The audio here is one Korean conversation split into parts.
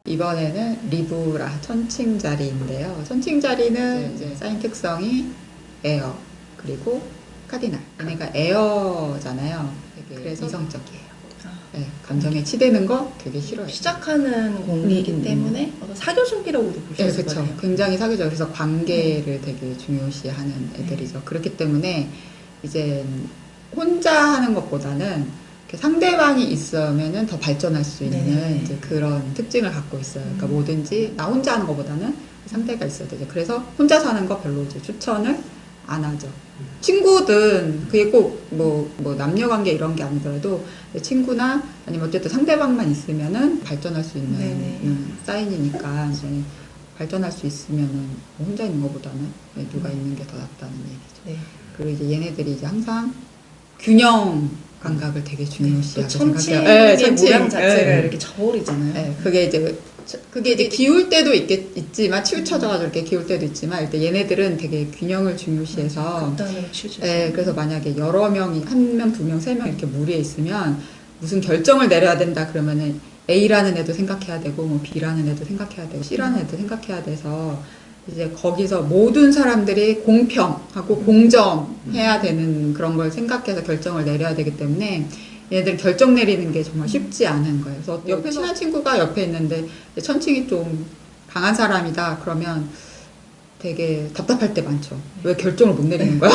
이번에는 리브라 천칭자리인데요. 천칭자리는 이제 사인 특성이 에어 그리고 카디날. 얘네가 에어잖아요. 되게 그래서 이성적이에요. 네, 감정에 치대는 거 되게 싫어요. 시작하는 공이기 때문에 사교적이라고도 볼 수 네, 있을 그렇죠. 거예요. 굉장히 사교적. 그래서 관계를 되게 중요시하는 애들이죠. 그렇기 때문에 이제 혼자 하는 것보다는 이렇게 상대방이 있으면은 더 발전할 수 있는 이제 그런 특징을 갖고 있어요. 그러니까 뭐든지 나 혼자 하는 것보다는 상대가 있어야 되죠. 그래서 혼자 사는 거 별로 이제 추천을 안 하죠. 친구든 그게 꼭 뭐 남녀 관계 이런 게 아니더라도 친구나 아니면 어쨌든 상대방만 있으면은 발전할 수 있는 사인이니까 이제 발전할 수 있으면은 혼자 있는 것보다는 누가 있는 게 더 낫다는 얘기죠. 네. 그리고 이제 얘네들이 이제 항상 균형 감각을 되게 중요시하게 천칭의 생각해요. 모양 자체가 이렇게 저울이잖아요. 네, 그게 이제 기울 때도 있지만 치우쳐져가지고 이렇게 기울 때도 있지만 일단 얘네들은 되게 균형을 중요시해서 극단으로 치우쳐. 네, 그래서 만약에 여러 명이 한 명, 두 명, 세 명 이렇게 무리에 있으면 무슨 결정을 내려야 된다 그러면은 A라는 애도 생각해야 되고 뭐 B라는 애도 생각해야 되고 C라는 애도 생각해야 돼서 이제 거기서 모든 사람들이 공평하고 공정해야 되는 그런 걸 생각해서 결정을 내려야 되기 때문에 얘네들 결정 내리는 게 정말 쉽지 않은 거예요. 그래서 옆에 친한 친구가 옆에 있는데 천칭이 좀 강한 사람이다 그러면 되게 답답할 때 많죠. 왜 결정을 못 내리는 거야?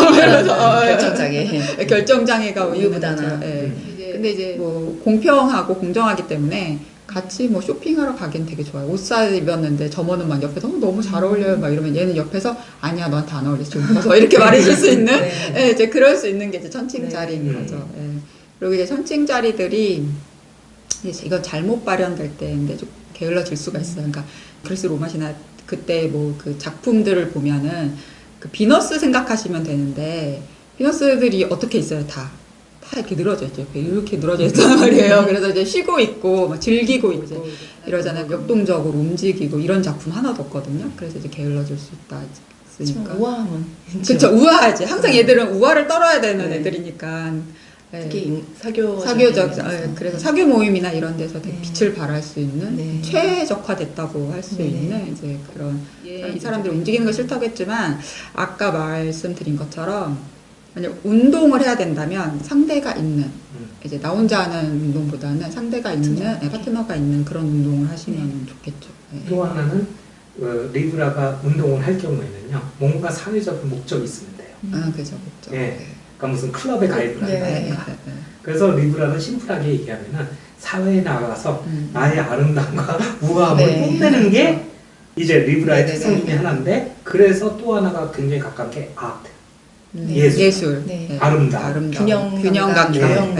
결정장애. 결정장애가 우유부단한. 근데 이제 뭐 공평하고 공정하기 때문에 같이 뭐 쇼핑하러 가긴 되게 좋아요. 옷 사 입었는데 점원은 막 옆에서 너무 잘 어울려요 막 이러면 얘는 옆에서 아니야 너한테 안 어울려 좀 벗어 이렇게 말해줄 수 있는 네, 이제 그럴 수 있는 게 이제 천칭자리인 거죠. 네. 그리고 이제 천칭자리들이 이건 잘못 발현될 때인데 좀 게을러질 수가 있어요. 그러니까 그리스 로마시나 그때 뭐 그 작품들을 보면은 그 비너스 생각하시면 되는데 비너스들이 어떻게 있어요? 다 이렇게 늘어져 있죠. 이렇게 늘어져 있단 말이에요. 그래서 이제 쉬고 있고 막 즐기고 이제 이러잖아요. 역동적으로 움직이고 이런 작품 하나도 없거든요. 그래서 이제 게을러질 수 있으니까. 우아함은. 그렇죠. 우아하지. 항상 얘들은 우아를 떨어야 되는 애들이니까. 특히 사교적. 그래서 사교 모임이나 이런 데서 되게 빛을 발할 수 있는 최적화됐다고 할 수 있는 이제 그런 이 사람들이 움직이는 거 싫다고 했지만 아까 말씀드린 것처럼 만약 운동을 해야 된다면 상대가 있는 이제 나 혼자 하는 운동보다는 상대가 있는 파트너가 있는 그런 운동을 하시면 좋겠죠. 또 하나는 리브라가 운동을 할 경우에는요 뭔가 사회적인 목적이 있으면 돼요. 그죠, 목적. 그러니까 무슨 클럽에 가입을 한다든가. 그래서 리브라는 심플하게 얘기하면은 사회에 나가서 나의 아름다움과 우아함을 뽐내는 게 이제 리브라의 특성 중에 하나인데 그래서 또 하나가 굉장히 가까운 게 아트. 예술. 아름다움. 균형 감각.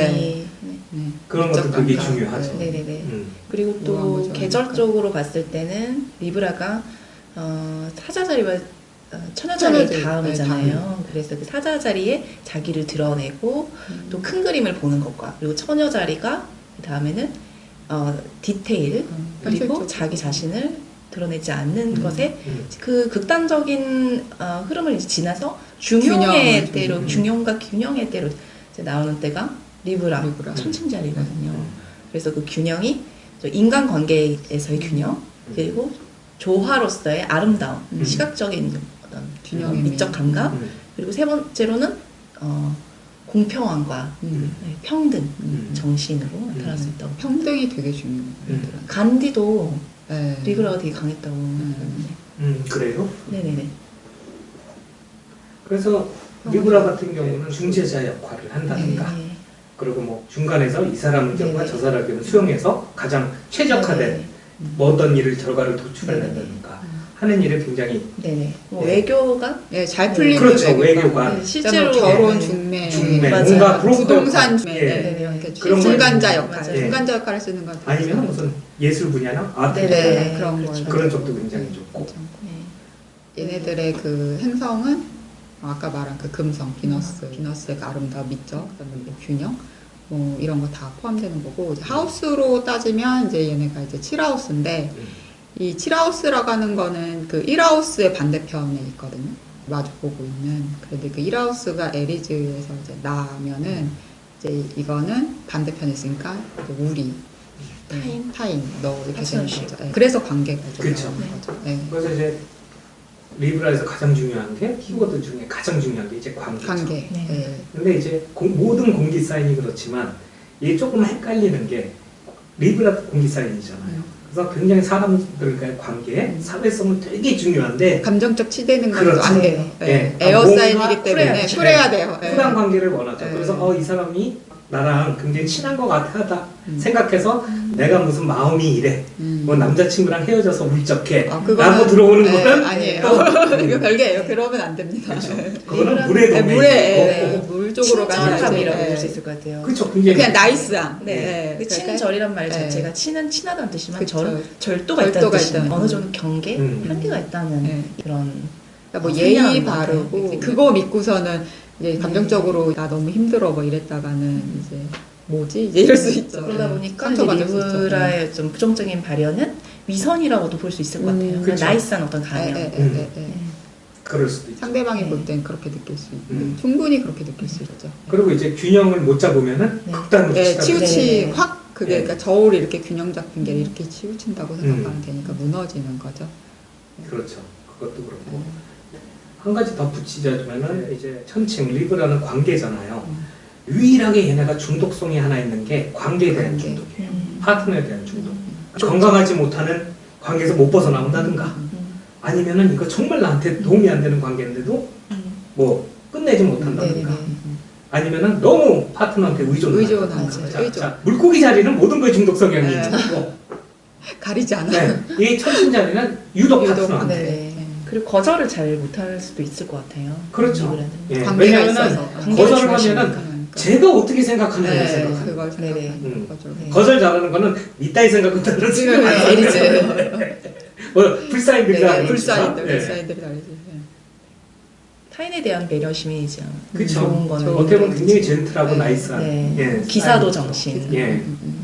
그런 것도 되게 중요하죠. 그리고 또 계절적으로 봤을 때는 리브라가 사자자리와 처녀자리 다음이잖아요. 그래서 그 사자자리에 자기를 드러내고 또 큰 그림을 보는 것과 그리고 처녀자리가 그 다음에는 디테일 그리고 자기 자신을 드러내지 않는 것에 그 극단적인 흐름을 이제 지나서 균형의 때로 균형과 균형의 때로 이제 나오는 때가 리브라. 천칭자리거든요. 그래서 그 균형이 인간관계에서의 균형 그리고 조화로서의 아름다움 시각적인 어떤 균형의 미적 감각 그리고 세 번째로는 공평함과 평등 정신으로 나타날 수 있다고. 평등이 되게 중요해요. 간디도 리브라가 되게 강했다고. 그래요? 네네네. 그래서 리브라 같은 경우는 중재자 역할을 한다든가 그리고 뭐 중간에서 이 사람 의견과 저 사람 의견을 수용해서 가장 최적화된 뭐 어떤 일을 결과를 도출해낸다든가 하는 일을 굉장히 외교가 잘 풀리는 그렇죠. 외교가 실제로 결혼 중매 뭔가 부동산 그런 중간자 역할 중간자 역할을 쓰는 것 같아요. 아니면 무슨 예술 분야나 아트 그런 쪽도 굉장히 좋고 얘네들의 그 행성은 아까 말한 그 금성 비너스의 그 아름다움 미적 그다음에 뭐 균형 뭐 이런 거 다 포함되는 거고 이제 하우스로 따지면 이제 얘네가 이제 7하우스인데 이 7하우스라고 하는 거는 그 1하우스의 반대편에 있거든요. 마주보고 있는. 그런데 그 1하우스가 에리즈에서 이제 나면은 이제 이거는 반대편에 있으니까 이제 우리 타인. 너 이렇게 되는 파트너십. 거죠. 네. 그래서 관계가 그쵸. 중요한 거죠. 네. 그래서 이제 리브라에서 가장 중요한 게 키워드 중에 가장 중요한 게 이제 관계죠. 관계. 네. 네. 근데 이제 모든 공기 사인이 그렇지만 이게 조금 헷갈리는 게 리브라 공기 사인이잖아요. 그래서 굉장히 사람들과의 관계에 사회성은 되게 중요한데 감정적 치대는 건 그렇죠. 안 돼요. 네. 네. 네. 에어 뭔가 사인이기 때문에 쿨해야죠. 쿨해야 돼요. 네. 쿨한 관계를 원하죠. 네. 그래서 이 사람이 나랑 굉장히 친한 것 같아 생각해서 내가 무슨 마음이 이래. 뭐 남자친구랑 헤어져서 울적해. 라고 들어오는 네, 거는 아니에요. 또 이거 별개예요. 그러면 안 됩니다. 그거는 물의 네, 도메인. 물에 물 쪽으로 가는 친절함이라고 거지. 볼 수 있을 것 같아요. 그렇죠. 굉장히 그냥 나이스함. 네. 그 친절이란 말 네. 자체가 친하다는 뜻이지만 그쵸. 절도가 있다는 절도가 뜻이에요. 있다는 어느 정도 경계, 한계가 있다는 네. 그런 그러니까 뭐 상냥한 예의 것 같아요. 바르고 그거 믿고서는 이제 감정적으로 나 너무 힘들어 뭐 이랬다가는 이제 뭐지 이제 이럴 수 있죠. 그러다 네. 보니까 상처받을 수 있죠. 리브라의 좀 부정적인 발현은 위선이라고도 볼 수 있을 것 같아요. 그냥 그쵸. 나이스한 어떤 가면. 그럴 수도 있죠. 상대방이 네. 볼 땐 그렇게 느낄 수 있고 충분히 그렇게 느낄 수 있죠. 그리고 이제 균형을 못 잡으면은 네. 극단으로 네, 치닫는 치우치 네. 확 그게 네. 그러니까 저울이 이렇게 균형 잡힌 게 이렇게 치우친다고 생각하면 되니까 무너지는 거죠. 그렇죠. 그것도 그렇고 한 가지 덧붙이자면은 이제 천칭 리브라는 관계잖아요. 유일하게 얘네가 중독성이 하나 있는 게 관계에 대한 관계. 중독이에요. 파트너에 대한 중독. 건강하지 못하는 관계에서 못 벗어나온다든가 아니면은 이거 정말 나한테 도움이 안 되는 관계인데도 뭐 끝내지 못한다든가 아니면은 너무 파트너한테 의존한다든가. 의존하죠. 자, 물고기 자리는 모든 거에 중독 성향이 네. 있고 가리지 않아요. 네. 이 천신 자리는 유독 파트너한테. 네. 그리고 거절을 잘 못할 수도 있을 것 같아요. 그렇죠. 리브라는. 예. 관계가 왜냐면은 있어서. 거절을 중요하시니까. 하면은 제가 어떻게 생각하는지 네, 생각하는 그걸 거예요. 생각하는 거죠. 네. 거절 잘하는 거는 이따위 생각한다는 지금 내리지. 뭐 불사인들이 네, 하는 불사인들, 거죠. 불사인들이 달리지. 네. 타인에 대한 배려심이죠. 그쵸. 좋은 거는. 어떻게 보면 굉장히 젠틀하고 네. 나이스한 네. 예, 기사도 스타일이죠. 정신. 예.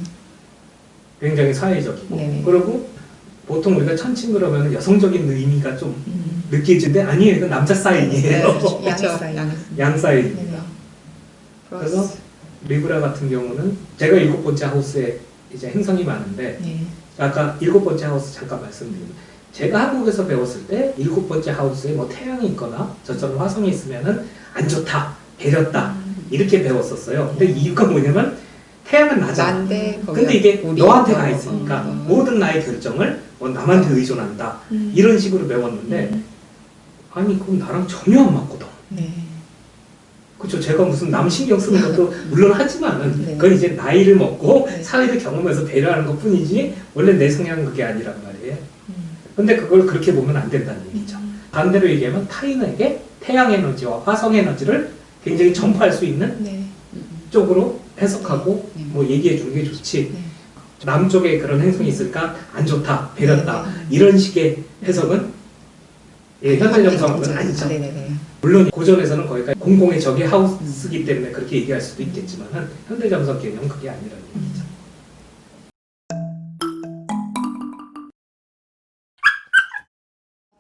굉장히 사회적이고 네. 그리고 보통 우리가 천칭 그러면 여성적인 의미가 좀 음. 느껴지는데 아니에요. 이건 남자 사인이에요. 네, 양의 그렇죠. 사인. 양 사인입니다. 네. 그래서 리브라 같은 경우는 제가 7번째 하우스에 이제 행성이 많은데 네. 아까 7번째 하우스 잠깐 말씀드리면 제가 한국에서 배웠을 때 7번째 하우스에 뭐 태양이 있거나 저처럼 화성이 있으면은 안 좋다, 배렸다 이렇게 배웠었어요. 근데 이유가 뭐냐면 태양은 나잖아. 난데 근데 이게 우리 너한테 가 있으니까 어. 모든 나의 결정을 뭐 남한테 의존한다 이런 식으로 배웠는데 아니 그건 나랑 전혀 안 맞거든. 네. 그렇죠. 제가 무슨 남 신경 쓰는 것도 물론 하지만은 네. 그건 이제 나이를 먹고 네. 사회를 경험해서 배려하는 것 뿐이지 원래 내 성향은 그게 아니란 말이에요. 음. 근데 그걸 그렇게 보면 안 된다는 얘기죠. 반대로 얘기하면 타인에게 태양 에너지와 화성 에너지를 굉장히 전파할 수 있는 네. 쪽으로 해석하고 네. 뭐 얘기해 주는 게 좋지. 네. 남쪽에 그런 행성이 있으니까 안 좋다, 배렸다 네. 이런 식의 해석은 예, 현대 정성은 아니죠. 네네네. 물론 고전에서는 거기가 공공의 적의 하우스이기 때문에 그렇게 얘기할 수도 있겠지만 현대 정석 개념은 그게 아니라는 얘기죠.